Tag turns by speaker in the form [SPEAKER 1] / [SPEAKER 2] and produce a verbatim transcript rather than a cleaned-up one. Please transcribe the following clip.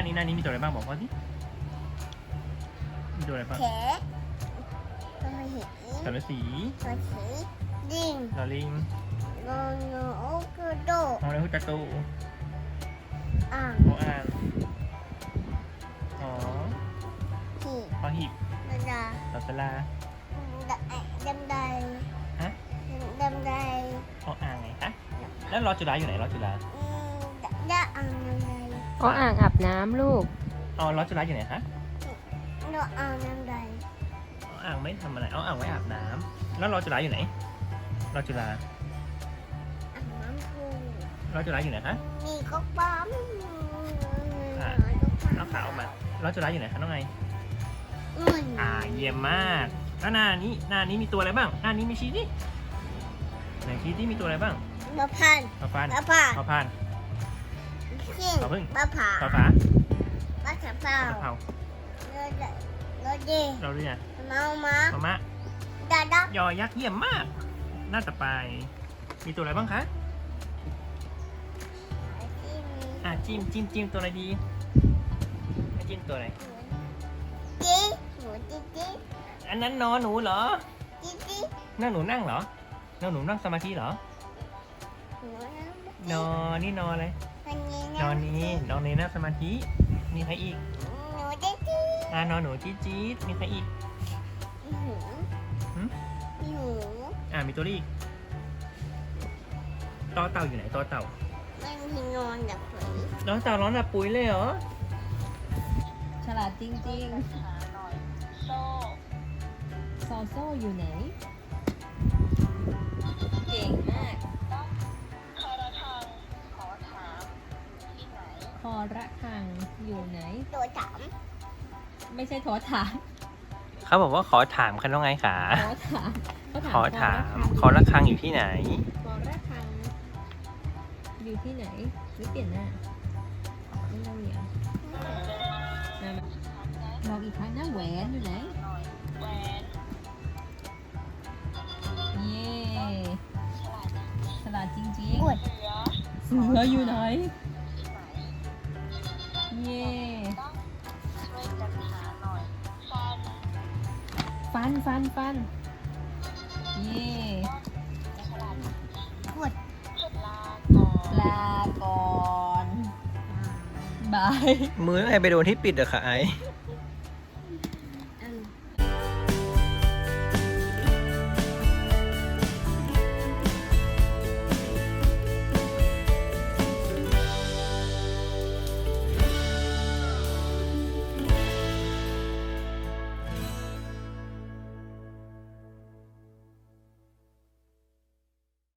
[SPEAKER 1] นี้หน้านี้มีตัวอะไรบ้างบอกพ่อสิมีตัวอะไรบ้าง
[SPEAKER 2] แขะตัวหิน
[SPEAKER 1] สารสี
[SPEAKER 2] ตัวสีดิง
[SPEAKER 1] ลอลิง
[SPEAKER 2] โนโนโอกระโดด
[SPEAKER 1] มองเลยพุทธตู
[SPEAKER 2] อ่าง
[SPEAKER 1] โออ่างอ๋อ
[SPEAKER 2] หีบ
[SPEAKER 1] พอหีบ
[SPEAKER 2] ดาดา
[SPEAKER 1] ลอสลา
[SPEAKER 2] ดำได
[SPEAKER 1] ฮะ
[SPEAKER 2] ดำได
[SPEAKER 1] โออ่างไงคะแล้วรอจุฬาอยู่ไหนรอจุฬา
[SPEAKER 2] อืมดาอ่างดำได
[SPEAKER 3] ก็อ่างอาบน้ำลูก
[SPEAKER 1] อ๋อรอจุฬาอยู่ไหนคะ
[SPEAKER 2] โนอ่างดำได
[SPEAKER 1] อ๋ออ่างไม่ทำอะไรอ๋ออ่างไว้อาบน้ำแล้วรอจุฬาอยู่ไหนรอจุฬา
[SPEAKER 2] อ่างน้ำพุ
[SPEAKER 1] รอจุฬาอยู่ไหนคะ
[SPEAKER 2] มีก๊อกปั๊ม
[SPEAKER 1] อ่ะ น้องขาวออกมาแล้วจุฬาอยู่ไหนคะน้องไง
[SPEAKER 2] มัน
[SPEAKER 1] อ่าเยี่ยมมากแล้วหน้านี้หน้านี้มีตัวอะไรบ้างหน้านี้มีชี้ดิไหนชี้ที่มีตัวอะไรบ้าง
[SPEAKER 2] มะพัน
[SPEAKER 1] ปลาฟัน
[SPEAKER 2] มะผ่า
[SPEAKER 1] ปลาพัน
[SPEAKER 2] ขิง
[SPEAKER 1] ขอพึ่ง
[SPEAKER 2] มะผ่า
[SPEAKER 1] ปลาฝาม
[SPEAKER 2] ะขามเปล่า
[SPEAKER 1] ปลาเผา
[SPEAKER 2] โรดโรดี
[SPEAKER 1] เราเรียก
[SPEAKER 2] เมามา
[SPEAKER 1] มะมะ
[SPEAKER 2] ดาดัก
[SPEAKER 1] ยอยักษ์เยี่ยมมาก หน้าต่อไป มีตัวอะไรบ้างคะอ่ะจิ้มจิ้มจิ้มตัวอะไรดีให้จิ้มตัวอะไร
[SPEAKER 2] จีหนูจีจี
[SPEAKER 1] อันนั้นนอหนูเหรอ
[SPEAKER 2] จีจี
[SPEAKER 1] นั่งหนูนั่งเหรอนั่งหนูนั่งสมาธิเหรอ
[SPEAKER 2] หนู
[SPEAKER 1] นอนี่นออะไร
[SPEAKER 2] วันนี้
[SPEAKER 1] นอนนี้นอนในนั่งสมาธิมีใครอีก
[SPEAKER 2] หนูจีจี
[SPEAKER 1] อ่านอนหนูจี๊ดจี๊ดมีใครอีก
[SPEAKER 2] หนู
[SPEAKER 1] หืม
[SPEAKER 2] หนู
[SPEAKER 1] อ่ามีตัวเลขอีกต่อเต่าอยู่ไหนต่อเต่า
[SPEAKER 2] มันมีนอนแบบไหน
[SPEAKER 1] ต่อเต่าร้อนแบบปุ๋ยเลยเหรอ
[SPEAKER 3] ฉลาดจริงๆ โซโซ่อยู่ไหน เก่งมาก คอระคังอยู่ไหน
[SPEAKER 2] ตัวถาม
[SPEAKER 3] ไม่ใช่โทอถาม
[SPEAKER 1] เขาบอกว่าขอถามคันว่าไงขา
[SPEAKER 3] ขอถามเขา
[SPEAKER 1] ขอถาม ข
[SPEAKER 3] ค
[SPEAKER 1] อ
[SPEAKER 3] อระ
[SPEAKER 1] ระฆังอยู่ที่ไหน
[SPEAKER 3] คอระคังอยู่ที่ไหนหรือเปลี่ยนหน้าไม่ต้องเหนียวมามาบอกอีกครั้งนะแหวนอยู่ไหนเย่ฉลาดจริง
[SPEAKER 2] อวด
[SPEAKER 3] ๆเสืออยู่ไหนเย่ฟันฟันฟันเย่
[SPEAKER 2] อวด
[SPEAKER 3] ลาก่อนบาย
[SPEAKER 1] มือไอไปโดนที่ปิดอะค่ะไอ
[SPEAKER 3] บ